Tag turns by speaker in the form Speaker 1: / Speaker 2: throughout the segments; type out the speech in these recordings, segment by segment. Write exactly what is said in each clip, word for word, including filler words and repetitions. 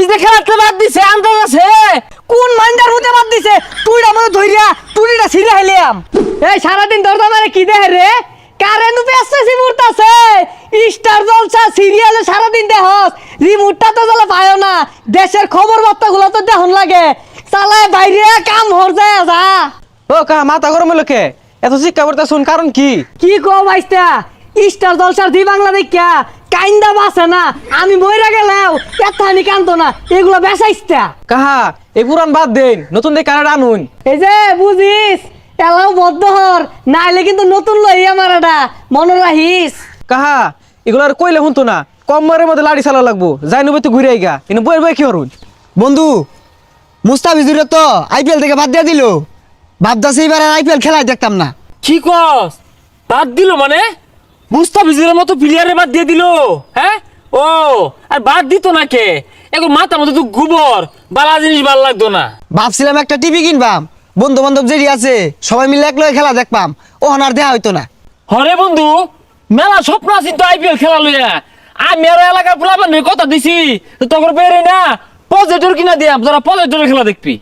Speaker 1: ভিজে খেলাতে বাদ দিছে আন্দাজ আছে
Speaker 2: কোন মাইন্ডার মধ্যে বাদ দিছে তুইটা মনে ধইরা তুইটা ছিঁড়ে হেলিয়াম এই সারাদিন দরদা মারে কি দেহে রে কারেন্ট পেছাছি মুরতাছে স্টার জলসা সিরিয়ালে সারাদিন দেহস রিমোটটা তো জ্বালা পায়ও না দেশের খবর বার্তাগুলো তো দেখুন লাগে চালায় বাইরে কাম হর যায় যা
Speaker 3: ও কা মাথা গরম লোকে এত শিক্ষা করতে শুন কারণ কি
Speaker 2: কি কো ভাইস্তা স্টার জলসার দি বাংলা দেখা কাইন্দা বাসে না আমি মইরা গেলাও এতানি কান্দো না এগুলো বেসাইস্তা
Speaker 3: কাহা এই পুরান বাদ দেন নতুন দিয়ে কানাডা আনুন
Speaker 2: এই যে বুঝিস এলাও বদ্ধ হর নাইলে কিন্তু নতুন লই আমার এটা মনে রাখিস
Speaker 3: কাহা এগুলো আর কইলে শুনতো না কম মারের মধ্যে লাড়ি চালা লাগবো যাই নবে তো ঘুরে আইগা কিন্তু বই বই কি হরুন
Speaker 4: বন্ধু মুস্তাফিজুরে তো আইপিএল থেকে বাদ দিয়ে দিল ভাবদাসে এবার আর আইপিএল খেলায় দেখতাম না
Speaker 1: কি কস বাদ দিল মানে মুস্তাফিজের মতো প্লেয়ারে বাদ দিয়ে দিল হ্যাঁ ও আর বাদ দিত না কে এখন মাথা মতো তো গোবর বালা জিনিস ভালো লাগতো না
Speaker 4: ভাবছিলাম একটা টিভি কিনবাম বন্ধু বান্ধব যেটি আছে সবাই মিলে এক লগে খেলা দেখবাম ও আর দেয়া হইতো না
Speaker 1: হরে বন্ধু মেলা স্বপ্ন আছি তো আইপিএল খেলা লইয়া আমি আর এলাকার পোলাপান কথা দিছি তখন বেরে না প্রজেক্টর কিনা দিয়াম তোরা প্রজেক্টরের খেলা দেখবি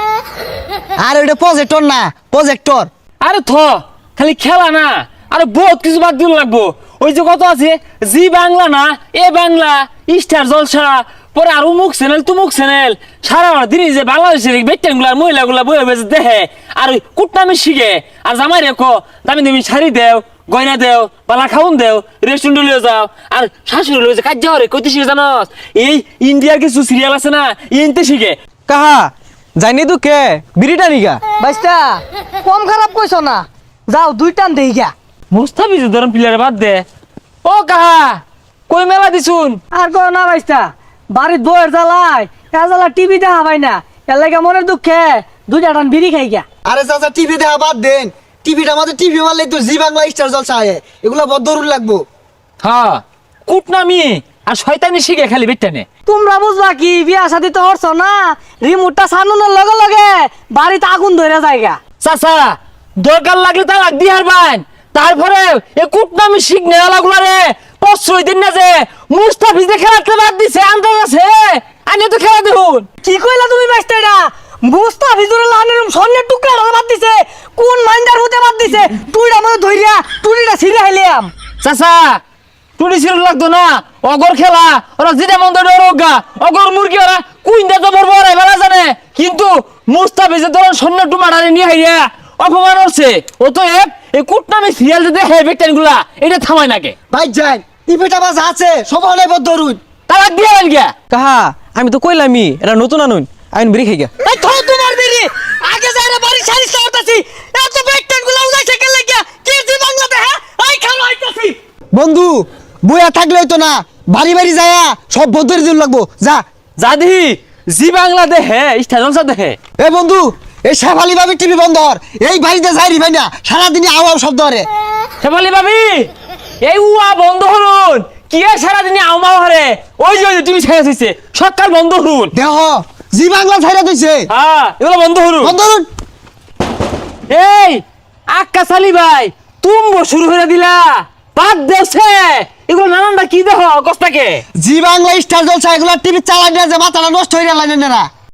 Speaker 4: আর ওইটা প্রজেক্টর না প্রজেক্টর
Speaker 1: আরে থ খালি খেলা না আরে বহুত কিছু বাদ দিল লাগবো ওই যে কত আছে জি বাংলা না এ বাংলা স্টার জলসা পরে আর উমুক চ্যানেল তুমুক চ্যানেল সারা দিন যে বাংলাদেশের বেটেনগুলার মহিলাগুলা বয়ে বেজে দেখে আর ওই কুটনামি শিখে আর জামাই রেখো দামি দামি শাড়ি দেও গয়না দেও পালা খাউন দেও রেস্টুরেন্ট লিয়ে যাও আর শাশুড়ি লয়ে যে কাজ যাও রে কইতে শিখে জানস এই ইন্ডিয়ার কিছু সিরিয়াল আছে না ইনতে শিখে
Speaker 3: কাহা যাইনি তো কে বিড়িটা নিগা
Speaker 2: ভাইস্তা কম খারাপ কইছো না যাও দুই টান দেই গা
Speaker 1: মুস্তাফিজ ধরন প্লেয়ার বাদ দে ও কাহা কই মেলা দিছুন
Speaker 2: আর কো না ভাইস্তা বাড়ির বউয়ের জ্বালায় এ জ্বালা টিভি দেখা পাই না এর লাগে মনের দুঃখে দুইটা টান বিড়ি খাই গা
Speaker 4: আরে চাচা টিভি দেখা বাদ দেন টিভিটা আমাদের টিভি মারলে তো জি বাংলা স্টার জলসা আয়ে এগুলা বড় দরুন লাগবো
Speaker 1: হ্যাঁ কুটনামি আর শয়তানি শিখে খালি বেটেনে
Speaker 2: তোমরা বুঝবা কি বিয়া শাদি তো হরছ না রিমোটটা সানুনের লগে লগে বাড়িতে আগুন ধরে যায়গা
Speaker 1: চাচা দরকার লাগলে তা লাগ দিহার বাইন তারপরে এ কুটনামি শিখ নেওয়ালাগুলা রে প্রশ্রয় দিন না যে মুস্তাফিজে খেলাতে বাদ দিছে আন্দাজ আছে আনি তো খেলা দেখুন
Speaker 2: কি কইলা তুমি বাইস্তা এটা মুস্তাফিজুর লাহানের স্বর্ণের টুকরা বাদ দিছে কোন মাইন্ডার মধ্যে বাদ দিছে তুইটা মনে ধইরা তুইটা ছিঁড়ে হেলিয়াম
Speaker 1: চাচা টুনি ছিল লাগতো না অগর খেলা ওরা যেটা মন দেয় রোগা অগর মুরগি ওরা কুইন্দা জবর বড় বেলা জানে কিন্তু মুস্তাফিজে ধরুন সৈন্য টুমাটারে নিয়ে হাইয়া অপমান হচ্ছে ও তো এক এই কুটনামি সিরিয়াল যে দেখে বেকটান গুলা এটা থামায় নাকে
Speaker 4: ভাই যাই টিভিটা বাস আছে সবাই নাই বড় দরুন
Speaker 1: তারা দিয়ে গেল গিয়া
Speaker 3: কাহা আমি তো কইলামই এটা নতুন আনুন আইন বিড়ি খাই গা
Speaker 2: এই থো তোমার বেরি আগে যাইরা বাড়ি সারি সারতাছি এত বেকটেন গুলা উজাইছে কেন লাগিয়া কি জি বাংলাতে হ্যাঁ এই খালো আইতাছি
Speaker 4: বন্ধু বইয়া থাকলেই তো না বাড়ি বাড়ি যায়া সব বদরে দিন লাগবো যা
Speaker 1: জাদি জি বাংলা দেখে স্টেশন দেখে
Speaker 4: এ বন্ধু এই শেফালি ভাবি টিভি বন্ধ হর এই বাড়িতে যাই ভাই না সারাদিনই আও আও শব্দ হরে
Speaker 1: হেমালি ভাবি এই উয়া বন্ধ হরুন কি আর সারাদিনে আউমাও হরে ওই যে ওই যে তুমি ছেড়ে দিছে সকাল বন্ধ হরুন
Speaker 4: দেহ জি বাংলা ছাইরা দিছে
Speaker 1: হ্যাঁ এগুলো বন্ধ হরুন
Speaker 4: বন্ধ হরুন
Speaker 1: এই আক্কা সালি ভাই তুমি শুরু করে দিলা বাদ দেছে এগুলো নানানটা কি দেখো কষ্টাকে
Speaker 4: জি বাংলা স্টার জলসা এগুলা টিভি চালাই না যে মাথাটা নষ্ট হয়ে গেল না